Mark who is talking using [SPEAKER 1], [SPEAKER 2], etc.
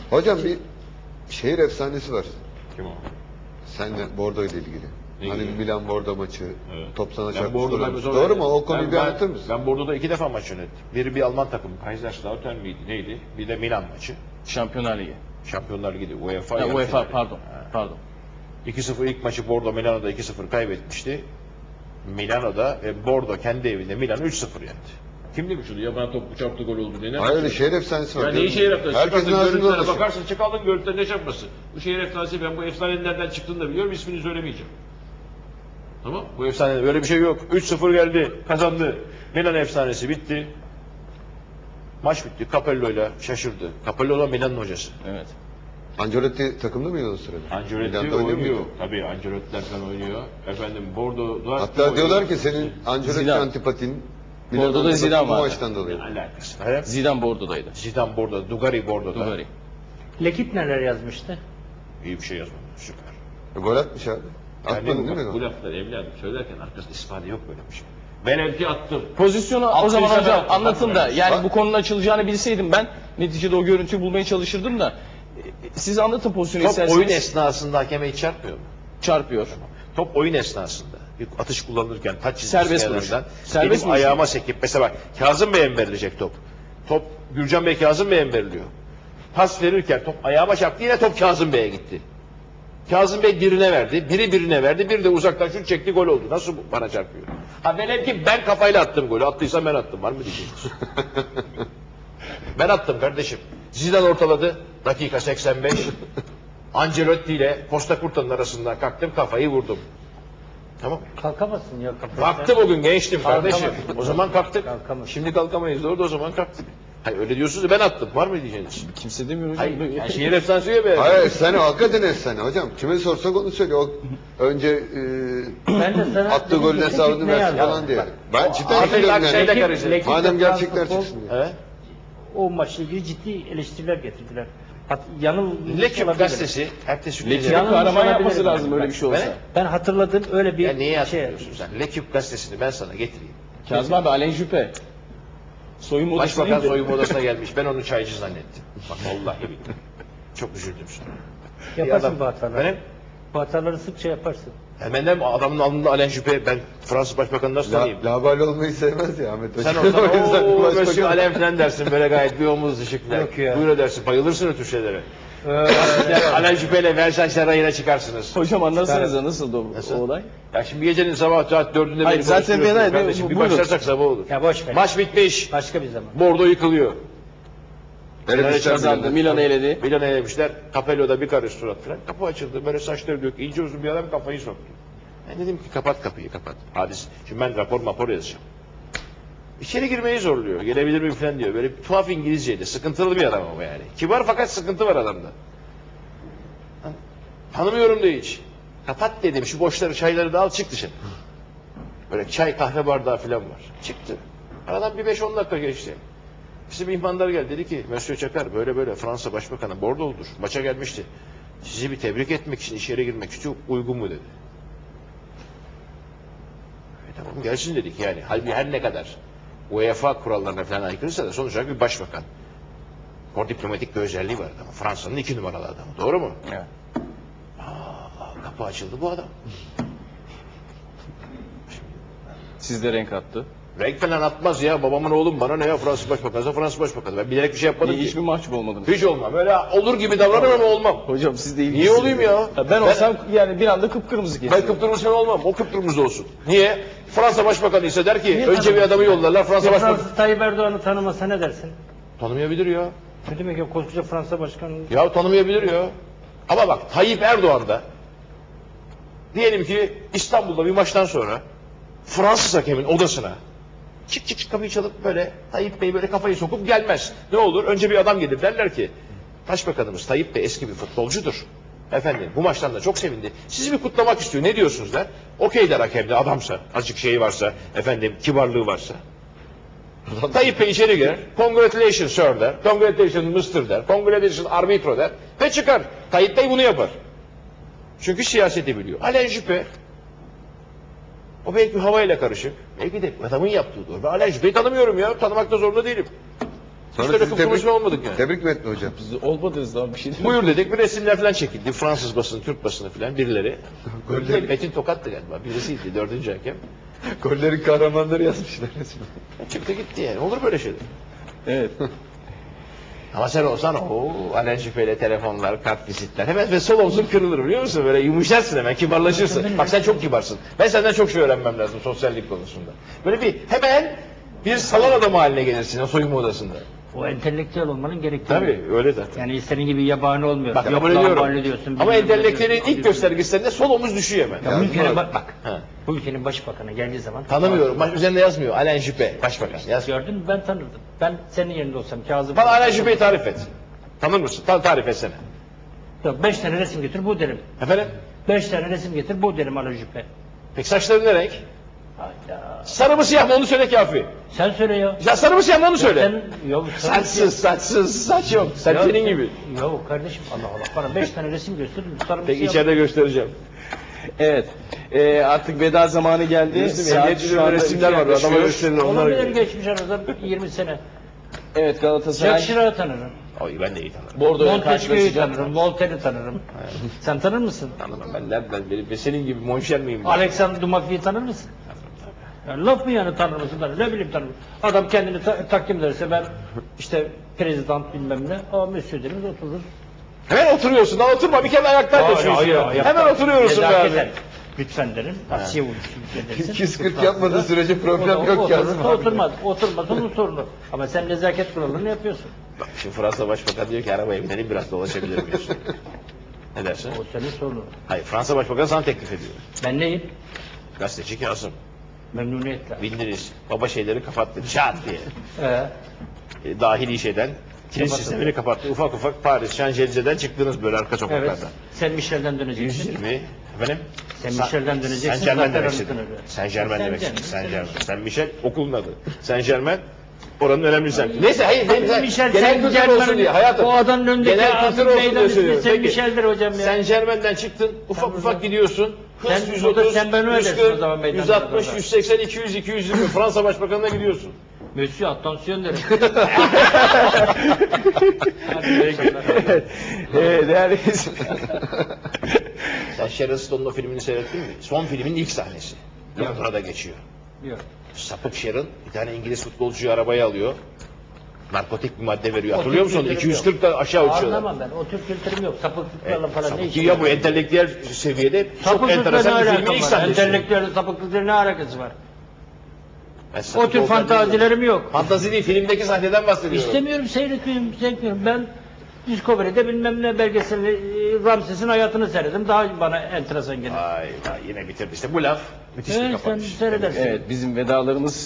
[SPEAKER 1] Hocam bir şehir efsanesi var.
[SPEAKER 2] Kim o?
[SPEAKER 1] Senle Bordo ile ilgili.
[SPEAKER 2] Ne
[SPEAKER 1] Hani
[SPEAKER 2] ilgili?
[SPEAKER 1] Milan Bordo maçı,
[SPEAKER 2] Evet.
[SPEAKER 1] top sana
[SPEAKER 2] Ben
[SPEAKER 1] çarpmış.
[SPEAKER 2] Bordo'da
[SPEAKER 1] Doğru mu? O konuyu bir anlatır mısın?
[SPEAKER 2] Ben Bordo'da 2 defa maç yönettim. Biri bir Alman takımı, Kaiserslautern miydi, neydi? Bir de Milan maçı.
[SPEAKER 3] Şampiyonlar Ligi.
[SPEAKER 2] Şampiyonlar Ligi, UEFA.
[SPEAKER 3] Ha,
[SPEAKER 2] yarı
[SPEAKER 3] UEFA
[SPEAKER 2] finali.
[SPEAKER 3] pardon.
[SPEAKER 2] Ha.
[SPEAKER 3] Pardon.
[SPEAKER 2] 2-0 ilk maçı Bordo Milano'da 2-0 kaybetmişti. Milano'da ve Bordo kendi evinde Milan'ı 3-0 yendi. Kim demiş onu? Ya bana top çarptı gol oldu diye.
[SPEAKER 1] Hayır öyle şehir efsanesi var.
[SPEAKER 2] Ya neyi şehir efsanesi?
[SPEAKER 1] Herkesin
[SPEAKER 2] Çıkardın
[SPEAKER 1] ağzında
[SPEAKER 2] görüntülere
[SPEAKER 1] dolaşıyor.
[SPEAKER 2] bakarsın, çıkardın görüntüleri ne çarpması? Bu şehir efsanesi, ben bu efsanenin nereden çıktığını da biliyorum, ismini söylemeyeceğim. Tamam, bu efsane böyle bir şey yok. 3-0 geldi, kazandı. Milan efsanesi bitti. Maç bitti. Capello'yla şaşırdı. Capello da Milan'ın hocası.
[SPEAKER 3] Evet.
[SPEAKER 1] Ancelotti takımda mıydı o sırada?
[SPEAKER 2] Ancelotti
[SPEAKER 1] Milan'da oynuyor
[SPEAKER 2] oynuyor.
[SPEAKER 1] muydu?
[SPEAKER 2] Tabii Ancelotti'ler falan oynuyor. Efendim Bordo'da
[SPEAKER 1] Hatta diyorlar ki senin Ancelotti
[SPEAKER 3] Zidane.
[SPEAKER 1] antipatin
[SPEAKER 3] Bordo'da
[SPEAKER 1] Milan'da
[SPEAKER 3] Zidane
[SPEAKER 1] bu
[SPEAKER 3] vardı.
[SPEAKER 1] maçtan dolayı.
[SPEAKER 2] ne alakası var?
[SPEAKER 3] Zidane Bordo'daydı.
[SPEAKER 2] Zidane Bordo, Dugarry Bordo'da.
[SPEAKER 3] Dugarry.
[SPEAKER 4] Lekip neler yazmıştı?
[SPEAKER 2] İyi bir şey yazmadı. Süper.
[SPEAKER 1] Gol atmış abi. Atmadın değil mi
[SPEAKER 2] bu
[SPEAKER 1] gol?
[SPEAKER 2] lafları evladım söylerken arkasında istifade yok böyle bir şey. Velev ki attım.
[SPEAKER 3] Pozisyonu o
[SPEAKER 2] Attıysa
[SPEAKER 3] zaman
[SPEAKER 2] ben
[SPEAKER 3] hocam
[SPEAKER 2] attım.
[SPEAKER 3] anlatın da yani
[SPEAKER 1] Bak.
[SPEAKER 3] bu konunun açılacağını bilseydim ben neticede o görüntüyü bulmaya çalışırdım da siz anlatın pozisyonu
[SPEAKER 2] Top
[SPEAKER 3] isterseniz.
[SPEAKER 2] oyun esnasında hakeme hiç çarpmıyor mu?
[SPEAKER 3] Çarpıyor.
[SPEAKER 2] Top oyun esnasında bir atış kullanırken taç çizgisi
[SPEAKER 3] Serbest
[SPEAKER 2] kenarından
[SPEAKER 3] vuruş. Serbest
[SPEAKER 2] benim
[SPEAKER 3] vuruş.
[SPEAKER 2] ayağıma sekip mesela bak Kazım Bey'e mi verilecek top? Top Gürcan Bey Kazım Bey'e mi veriliyor? Pas verirken top ayağıma çarptı, yine top Kazım Bey'e gitti. Kazım Bey birine verdi, biri birine verdi, biri de uzaktan şut çekti, gol oldu. Nasıl bu bana çarpıyor? Ha velev ki ben kafayla attım golü, attıysam ben attım, var mı diyeceksiniz? Ben attım kardeşim. Zidane ortaladı, dakika 85. Ancelotti ile Costa Curta'nın arasından kalktım, kafayı vurdum. Tamam.
[SPEAKER 4] Kalkamazsın ya kafası.
[SPEAKER 2] Kalktım o gün, gençtim kardeşim.
[SPEAKER 4] Kalkamazsın.
[SPEAKER 2] O zaman kalktık.
[SPEAKER 4] Kalkamazsın.
[SPEAKER 2] Şimdi kalkamayız, doğru da o zaman kalktık. Hayır öyle diyorsunuz da ben attım, var mı diyeceğiniz?
[SPEAKER 3] Kimse demiyor hocam.
[SPEAKER 2] Hayır, yani şehir efsanesi ya be.
[SPEAKER 1] Hayır efsane, hakikaten efsane hocam. Kime sorsak onu söylüyor. O önce
[SPEAKER 4] Ben de sana
[SPEAKER 1] attığı
[SPEAKER 4] dedim
[SPEAKER 1] golün
[SPEAKER 4] ki,
[SPEAKER 1] hesabını
[SPEAKER 4] Lekip ne
[SPEAKER 1] versin
[SPEAKER 4] yazdı?
[SPEAKER 1] falan diye.
[SPEAKER 4] Bak,
[SPEAKER 1] Ben cidden
[SPEAKER 2] Artık
[SPEAKER 1] söylüyorum
[SPEAKER 2] şeyle
[SPEAKER 1] yani.
[SPEAKER 2] karıştı.
[SPEAKER 4] Lekip
[SPEAKER 1] Madem
[SPEAKER 4] ve Fransız
[SPEAKER 1] gerçekler
[SPEAKER 4] futbol,
[SPEAKER 1] çıksın diye.
[SPEAKER 2] Evet.
[SPEAKER 4] O maçla ilgili ciddi eleştiriler getirdiler. Yanılmış
[SPEAKER 2] Lekip
[SPEAKER 4] olabilirim.
[SPEAKER 2] gazetesi ertesi gün.
[SPEAKER 3] Lekip'in
[SPEAKER 4] Yanılmış
[SPEAKER 3] kahraman yapması
[SPEAKER 4] olabilirim
[SPEAKER 3] lazım
[SPEAKER 4] yani.
[SPEAKER 3] öyle bir şey olsa.
[SPEAKER 2] Ben-
[SPEAKER 4] Ben hatırladım öyle bir
[SPEAKER 2] Ya neyi
[SPEAKER 4] şey.
[SPEAKER 2] hatırlıyorsun sen? Lekip gazetesini ben sana getireyim.
[SPEAKER 3] Kazım abi Alain Juppé. Soyunma odası
[SPEAKER 2] Başbakan
[SPEAKER 3] değil de-
[SPEAKER 2] soyunma odasına gelmiş. Ben onu çaycı zannettim. Bak vallahi billahi. Çok üzüldüm sonra.
[SPEAKER 4] Yaparsın
[SPEAKER 2] Bir
[SPEAKER 4] bu
[SPEAKER 2] adam-
[SPEAKER 4] hataları.
[SPEAKER 2] Benim?
[SPEAKER 4] Bu hataları sıkça yaparsın.
[SPEAKER 2] Hemen de adamın alnında Alain Juppé, ben Fransız Başbakanı nasıl tanıyayım?
[SPEAKER 1] Labali olmayı sevmez ya Ahmet Hoca.
[SPEAKER 2] Sen olsan
[SPEAKER 1] O yüzden
[SPEAKER 2] ooo
[SPEAKER 1] başbakan-
[SPEAKER 2] Monsieur Alain falan dersin böyle gayet bir omuz ışıkla.
[SPEAKER 4] Yok ya.
[SPEAKER 2] Buyur edersin, bayılırsın o tür şeylere. Alain Juppé ile Versailles Sarayı'na çıkarsınız.
[SPEAKER 3] Hocam anlatsanıza nasıldı o,
[SPEAKER 2] Nasıl?
[SPEAKER 3] o olay?
[SPEAKER 2] Ya şimdi gecenin sabah saat 4'ünde
[SPEAKER 3] Hayır,
[SPEAKER 2] beni
[SPEAKER 3] zaten
[SPEAKER 2] konuşturuyorsun
[SPEAKER 3] ben-
[SPEAKER 2] kardeşim. Bir
[SPEAKER 3] buyurun.
[SPEAKER 2] başlarsak sabah olur.
[SPEAKER 4] Ya boş ver.
[SPEAKER 2] Maç bitmiş.
[SPEAKER 4] Başka bir zaman.
[SPEAKER 2] Bordo yıkılıyor.
[SPEAKER 1] Elemişler
[SPEAKER 3] Kazandı,
[SPEAKER 1] Milan'ı.
[SPEAKER 3] Milan'ı eledi.
[SPEAKER 2] Milan'a elemişler. Capello'da bir karış surat falan. Kapı açıldı. Böyle saçları dök. İnce uzun bir adam kafayı soktu. Ben dedim ki kapat kapıyı kapat. Hadis. Şimdi ben rapor yazacağım. İçeri girmeyi zorluyor. Gelebilir miyim falan diyor. Böyle bir tuhaf İngilizceydi. Sıkıntılı bir adam ama yani. Kibar fakat sıkıntı var adamda. Tanımıyorum da hiç. Kapat dedim. Şu boşları çayları da al çık dışarı. Böyle çay kahve bardağı falan var. Çıktı. Aradan bir 5-10 dakika geçti. Bizim ihmanlar geldi, dedi ki Monsieur Çakar böyle böyle Fransa Başbakanı Bordo'ludur. Maça gelmişti. Sizi bir tebrik etmek için içeri girmek istiyor. Uygun mu dedi. Tamam gelsin dedik yani. Halbuki her ne kadar UEFA kurallarına falan aykırıysa da sonuç olarak bir başbakan. O diplomatik bir özelliği var adamın. Fransa'nın 2 numaralı adamı. Doğru mu?
[SPEAKER 3] Evet.
[SPEAKER 2] Kapı açıldı bu adam.
[SPEAKER 3] Siz de renk attı.
[SPEAKER 2] Renk falan atmaz ya. Babamın oğlum bana ne ya Fransız Başbakanı. Fransız Başbakanı. Ben bilerek bir şey yapmadım ki.
[SPEAKER 3] Hiç mi mahcup olmadınız?
[SPEAKER 2] Hiç olmam. Öyle olur gibi davranırım ama olmam.
[SPEAKER 3] Hocam siz de
[SPEAKER 2] Niye
[SPEAKER 3] ilgisiniz.
[SPEAKER 2] olayım ya?
[SPEAKER 3] Ben olsam yani bir anda kıpkırmızı
[SPEAKER 2] Ben
[SPEAKER 3] geçiyor.
[SPEAKER 2] kıpkırmızı falan olmam. O kıpkırmızı olsun. Niye? Fransa Başbakanı ise der ki
[SPEAKER 4] Niye
[SPEAKER 2] önce bir
[SPEAKER 4] tanımıyorsun
[SPEAKER 2] adamı
[SPEAKER 4] ya?
[SPEAKER 2] yollarlar. Fransa
[SPEAKER 4] Ya
[SPEAKER 2] Başbakanı
[SPEAKER 4] Fransız Tayyip Erdoğan'ı tanımasa ne dersin?
[SPEAKER 2] tanımayabilir ya.
[SPEAKER 4] Ne demek ya koskoca Fransa başkanı?
[SPEAKER 2] Ya tanımayabilir ya. Ama bak Tayyip Erdoğan da diyelim ki İstanbul'da bir maçtan sonra Fransız hakemin odasına çık kapıyı çalıp böyle Tayyip Bey böyle kafayı sokup gelmez. Ne olur? Önce bir adam gelir derler ki Başbakanımız Tayyip Bey eski bir futbolcudur. Efendim bu maçtan da çok sevindi. Sizi bir kutlamak istiyor. Ne diyorsunuz der. Okey der hakem de adamsa, azıcık şeyi varsa, efendim kibarlığı varsa. Tayyip Bey içeri girer. Congratulations sir der. Congratulations Mr. der. Congratulations arbitro der. Ve çıkar. Tayyip Bey bunu yapar. Çünkü siyaseti biliyor. Alain Juppé o belki havayla karışık. Belki de adamın yaptığı doğru. Ben Alain Juppé'yi tanımıyorum ya. Tanımakta zorunda değilim.
[SPEAKER 1] Sonra
[SPEAKER 2] öyle
[SPEAKER 1] sizi
[SPEAKER 2] konuşma olmadık yani.
[SPEAKER 1] Tebrik mi etti hocam?
[SPEAKER 3] Biz olmadınız daha bir şey değil.
[SPEAKER 2] Buyur dedik, bir resimler falan çekildi. Fransız basını, Türk basını falan birileri. Metin Tokat'tı galiba, birisiydi, 4. hakem.
[SPEAKER 1] Gollerin kahramanları yazmışlar resmen.
[SPEAKER 2] Çıktı gitti yani, olur böyle şeyler.
[SPEAKER 3] Evet.
[SPEAKER 2] Ama sen olsan Alain Juppé'yle telefonlar, kart vizitler. Hemen ve sol omzun kırılır biliyor musun? Böyle yumuşarsın hemen, kibarlaşırsın. Bak sen çok kibarsın. Ben senden çok şey öğrenmem lazım sosyallik konusunda. Böyle bir hemen bir salon adamı haline gelirsin o soyunma odasında.
[SPEAKER 4] O entelektüel olmanın gerektiği.
[SPEAKER 2] Tabii öyle zaten.
[SPEAKER 4] Yani senin gibi yabani olmuyor.
[SPEAKER 2] Bak
[SPEAKER 4] Yok,
[SPEAKER 2] kabul
[SPEAKER 4] lahmacun
[SPEAKER 2] ediyorum.
[SPEAKER 4] diyorsun,
[SPEAKER 2] Ama
[SPEAKER 4] bilmem ne
[SPEAKER 2] entelektüelin
[SPEAKER 4] diyorsun,
[SPEAKER 2] ilk göstergesinde sol omuz düşüyor hemen.
[SPEAKER 4] Ya bu ülkenin
[SPEAKER 2] Ha.
[SPEAKER 4] bu ülkenin başbakanı geldiği zaman
[SPEAKER 2] Tanımıyorum. Üzerinde yazmıyor. Alain Juppé, başbakan. Yaz.
[SPEAKER 4] gördün mü ben tanırdım. Ben senin yerinde olsam Kazım.
[SPEAKER 2] Bana Alain Juppé'yi tarif et. Tanır mısın? Tarif etsene.
[SPEAKER 4] Yok 5 tane resim getir bu derim.
[SPEAKER 2] Efendim?
[SPEAKER 4] 5 tane resim getir bu derim Alain Juppé.
[SPEAKER 2] Peki saçların ne renk?
[SPEAKER 4] Hayda.
[SPEAKER 2] Sarı mı siyah mı onu söyle kafi.
[SPEAKER 4] Sen söyle ya.
[SPEAKER 2] Ya sarı mı siyah mı onu söyle.
[SPEAKER 4] Sen, yok,
[SPEAKER 2] Saçsız, saç yok. Sen
[SPEAKER 4] Ya
[SPEAKER 2] senin
[SPEAKER 4] sen-
[SPEAKER 2] gibi.
[SPEAKER 4] Yok kardeşim Allah Allah. Bana 5 tane resim göster. Sarı
[SPEAKER 2] Peki
[SPEAKER 4] siyah-
[SPEAKER 2] içeride göstereceğim.
[SPEAKER 3] Evet. Artık veda zamanı geldi.
[SPEAKER 2] Biliyorsun,
[SPEAKER 3] Saat
[SPEAKER 2] ehliyet
[SPEAKER 3] şu anda
[SPEAKER 2] resimler var.
[SPEAKER 3] iki
[SPEAKER 2] Adama
[SPEAKER 3] yaklaşıyor.
[SPEAKER 2] gösterin
[SPEAKER 4] Olan
[SPEAKER 2] onlara.
[SPEAKER 4] bilir geçmiş arada 20 sene.
[SPEAKER 3] Evet, Galatasaray
[SPEAKER 4] Jack Chirac'ı tanırım.
[SPEAKER 2] Oy ben de iyi tanırım.
[SPEAKER 3] Bordo'ya
[SPEAKER 4] Montesquieu'yu
[SPEAKER 3] karşılaşacak.
[SPEAKER 4] tanırım. Voltaire'i tanırım. Sen tanır mısın?
[SPEAKER 2] Tanımam ben nereden ben senin gibi monşer miyim? Ben?
[SPEAKER 4] Alexandre Dumas'ı tanır mısın? Yani laf mı yani tanır mısın? Ben ne bileyim tanırım. Adam kendini takdim ederse ben işte prezident bilmem ne. Aa monsieur deriz otururuz.
[SPEAKER 2] Hemen oturuyorsun. Daha oturma. Bir kere ayakta taşıyorsun. Hemen oturuyorsun be
[SPEAKER 4] Nezaketen.
[SPEAKER 2] abi.
[SPEAKER 4] Lütfen derim. Asiye vurursun.
[SPEAKER 1] 240 yapmadığı sürece problem yok Kazım abi.
[SPEAKER 4] Oturmaz. Oturmaz onun sorunu. Ama sen nezaket kuralını yapıyorsun.
[SPEAKER 2] Bak şimdi Fransa Başbakan diyor ki arabaya binelim biraz dolaşabilir miyiz? Ne dersin?
[SPEAKER 4] O senin sorunun.
[SPEAKER 2] Hayır Fransa Başbakanı sana teklif ediyor.
[SPEAKER 4] Ben neyim?
[SPEAKER 2] Gazeteci Kasım.
[SPEAKER 4] Memnuniyetle.
[SPEAKER 2] Bildiniz. Baba şeyleri kapattı. Şat diye. Dahili şeyden. Kilit
[SPEAKER 4] Kapattı.
[SPEAKER 2] sistemini kapattı. Ufak ufak Paris, Şanzelize'den çıktınız böyle arka sokaklardan.
[SPEAKER 4] Evet. Sen Michel'den döneceksin.
[SPEAKER 2] 120. Efendim?
[SPEAKER 4] Sen Michel'den döneceksin.
[SPEAKER 2] Saint Germain
[SPEAKER 4] zaten
[SPEAKER 2] demek istedin.
[SPEAKER 4] anlatılır.
[SPEAKER 2] Saint Germain
[SPEAKER 4] Saint
[SPEAKER 2] demek
[SPEAKER 4] Germain,
[SPEAKER 2] istedin. Saint
[SPEAKER 4] Saint
[SPEAKER 2] Germain. Saint Michel okulun adı. Saint Germain oranın önemli semti. Neyse hayır.
[SPEAKER 4] Michel
[SPEAKER 2] Genel
[SPEAKER 4] Saint
[SPEAKER 2] kültür olsun
[SPEAKER 4] Germain'in
[SPEAKER 2] diye hayatım.
[SPEAKER 4] o adanın önündeki
[SPEAKER 2] Genel kültür olsun diye
[SPEAKER 4] meydan ismi
[SPEAKER 2] söylüyorum.
[SPEAKER 4] Saint
[SPEAKER 2] Peki.
[SPEAKER 4] Michel'dir hocam ya.
[SPEAKER 2] Saint Germain'den çıktın. Ufak ufak gidiyorsun. Hız
[SPEAKER 4] Sen
[SPEAKER 2] 130,
[SPEAKER 4] burada Saint Benoît dersin o
[SPEAKER 2] 140,
[SPEAKER 4] zaman meydanda
[SPEAKER 2] 160,
[SPEAKER 4] orada.
[SPEAKER 2] 180, 200, 220 Fransa Başbakanı'na gidiyorsun.
[SPEAKER 4] Monsieur attention derim.
[SPEAKER 3] Değerli
[SPEAKER 2] Sen Sharon Stone'un o filmini seyrettin mi? Son filmin ilk sahnesi. Londra'da geçiyor.
[SPEAKER 4] Yok.
[SPEAKER 2] Sapık Sharon bir tane İngiliz futbolcuyu arabaya alıyor. Narkotik bir madde veriyor.
[SPEAKER 4] O
[SPEAKER 2] Hatırlıyor
[SPEAKER 4] tür
[SPEAKER 2] musun?
[SPEAKER 4] kültürüm
[SPEAKER 2] 240 da aşağı uçuyorlar.
[SPEAKER 4] Anlamam ben. O tür kültürüm yok. Sapıklıklarla falan ne
[SPEAKER 2] Sapık
[SPEAKER 4] işim
[SPEAKER 2] ya bu entelektüel seviyede çok
[SPEAKER 4] Sapıklıkla ne
[SPEAKER 2] enteresan bir filmin
[SPEAKER 4] alakam
[SPEAKER 2] ilk
[SPEAKER 4] var?
[SPEAKER 2] sahnesi.
[SPEAKER 4] Entelektüel sapıklıkla ne alakası var?
[SPEAKER 2] Ben
[SPEAKER 4] O
[SPEAKER 2] sapık
[SPEAKER 4] tür
[SPEAKER 2] olduğunu
[SPEAKER 4] fantazilerim yok.
[SPEAKER 2] bilmiyorum. Fantazi değil, filmdeki sahneden bahsediyorum.
[SPEAKER 4] İstemiyorum, seyretmiyorum, zevkmiyorum. Ben Discovery'de bilmem ne belgeseli Ramses'in hayatını seyredim. Daha bana enteresan gelir.
[SPEAKER 2] Vay vay yine bitirdi. İşte bu laf müthiş bir
[SPEAKER 4] Evet, sen
[SPEAKER 2] kapanış.
[SPEAKER 4] seyredersin.
[SPEAKER 3] Evet, bizim vedalarımız